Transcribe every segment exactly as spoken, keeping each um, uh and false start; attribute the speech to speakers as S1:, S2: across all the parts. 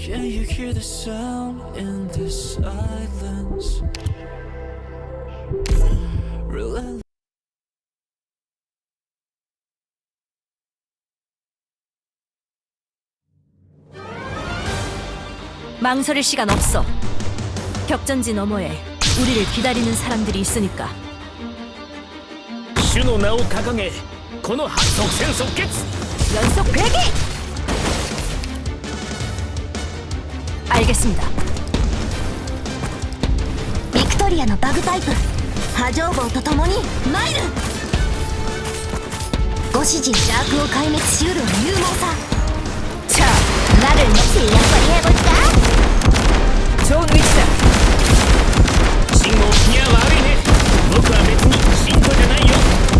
S1: Can you hear the sound in the silence? Relentless.
S2: 망설일 시간 없어. 격전지 너머에 우리를 기다리는 사람들이 있으니까.
S3: 主の名を掲げこの即戦即決
S2: 연속 배기! 알겠습니다.
S4: ビクトリアのバグパイプ波状棒と共に参る。ご指示邪悪を壊滅しうるは勇猛さ。
S2: 자,
S4: 나를 실력 발휘해볼까?
S2: 좋은 위치다.
S3: 信号機には悪いね。僕は別に信号じゃないよ。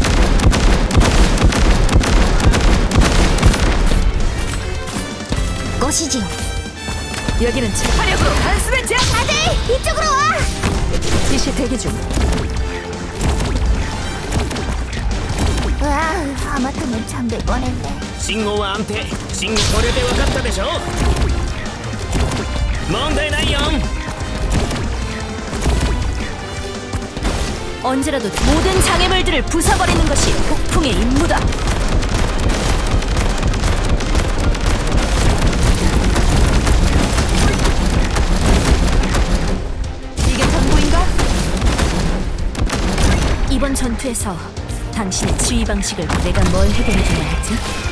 S4: ご指示を。
S2: 여기는 체파력으로 단숨에 제압!
S4: 다들 이쪽으로 와!
S2: 지시 대기 중.
S4: 와, 하마터면 잠들 뻔했네.
S3: 信号は安定。信号これで分かったでしょ。問題ないよ。
S2: 언제라도 모든 장애물들을 부숴버리는 것이 폭풍의 임무다. 이게 전부인가? 이번 전투에서 당신의 지휘 방식을 내가 뭘 해결해줘야 하지?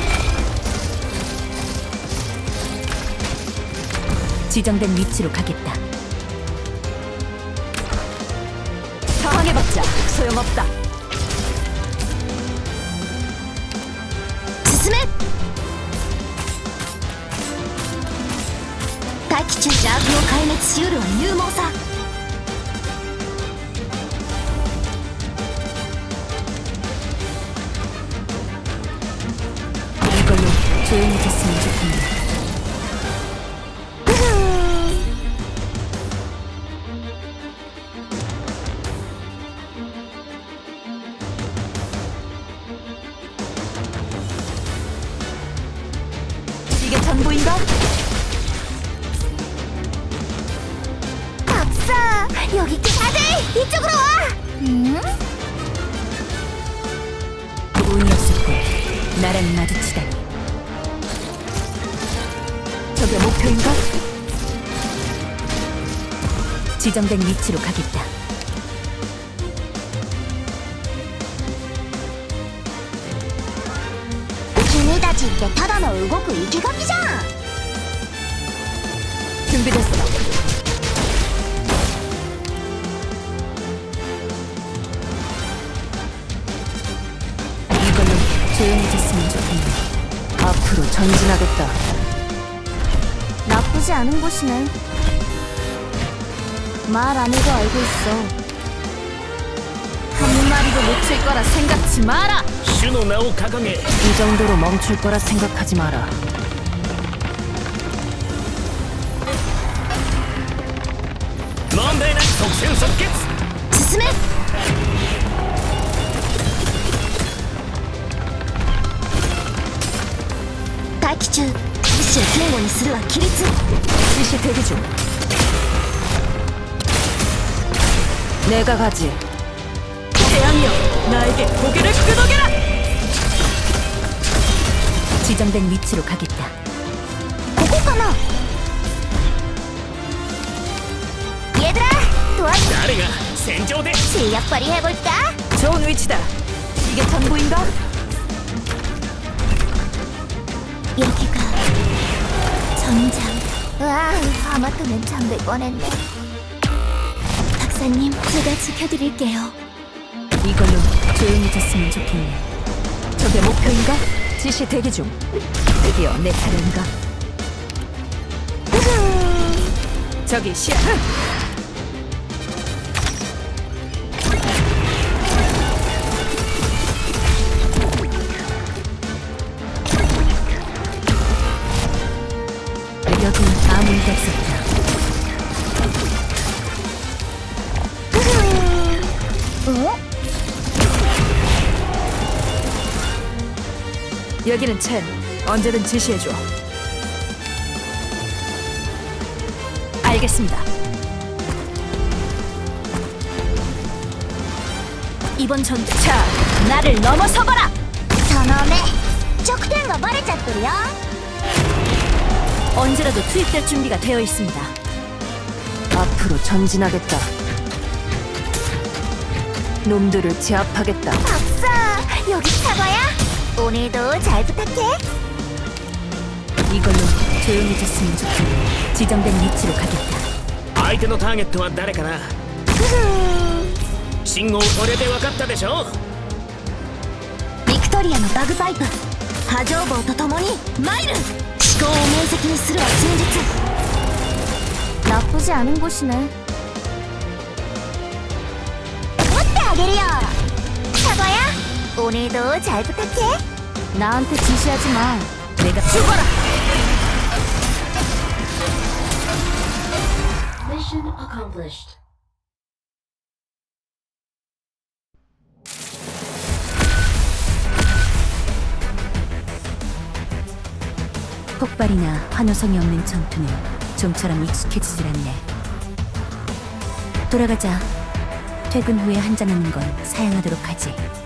S2: 지정된 위치로 가겠다. 저항해봤자 소용없다.
S4: 進め。大気中邪悪を壊滅しうるは勇猛さ。
S2: 이걸로 조용히 됐으면 좋겠네. 이게 전부인가?
S4: 박사, 여기 다들 이쪽으로 와. 음?
S2: 운이 없었고 나랑 마주치다니. 저게 목표인가? 지정된 위치로 가겠다.
S4: 君たちってただの動く生き垣じゃん。
S2: 준비됐어. 이걸로 조용해졌으면 좋겠네. 앞으로 전진하겠다.
S4: 나쁘지 않은 곳이네. 말 안 해도 알고 있어.
S2: 한 마리도 놓칠 거라 생각지 마라.
S3: 主の名を掲げ
S2: 이 정도로 멈출 거라 생각하지 마라.
S3: 問題ない即戦即決。
S4: 進め。大気中意志を堅固にするは規律。
S2: 지시 대기 중. 내가 가지. 태양이여, 나에게 고개를 끄덕여라. 지정된 위치로 가겠다.
S4: ここかな。얘들아, 도와줘.
S3: 誰が戦場で
S4: 실력 발휘해볼까?
S2: 좋은 위치다. 이게 전부인가?
S4: 여기가 전장. 와, 하마터면 잠들 뻔했네. 박사님, 제가 지켜드릴게요.
S2: 이걸로 조용해졌으면 좋겠네. 저게 목표인가? 지시 대기 중. 드디어 내 차례인가? 저기 시야. 여긴 아무 일도 없었다.
S4: 어?
S2: 여기는 첸. 언제든 지시해줘. 알겠습니다. 이번 전투 자, 나를 넘어서봐라.
S4: その目直点がバレちゃってるよ
S2: 언제라도 투입될 준비가 되어 있습니다. 앞으로 전진하겠다. 놈들을 제압하겠다.
S4: 박사 여기 사과야? 오늘도 잘 부탁해
S2: 이걸로 조용해졌으면 좋겠네. 지정된 위치로 가겠다.
S3: 相手のターゲットは誰かな。
S4: ふふ
S3: 信号これで分かったでしょ。
S4: ビクトリアのバグパイプ波状棒とともに参る思考を明晰にするは真実 나쁘지 않은 곳이네 持ってあげるよ사과야 오늘도 잘 부탁해
S2: 나한테 지시하지 마. 내가 죽어라.
S5: Mission accomplished.
S2: 폭발이나 환호성이 없는 전투는 좀처럼 익숙해지질 않네. 돌아가자. 퇴근 후에 한잔하는 건 사양하도록 하지.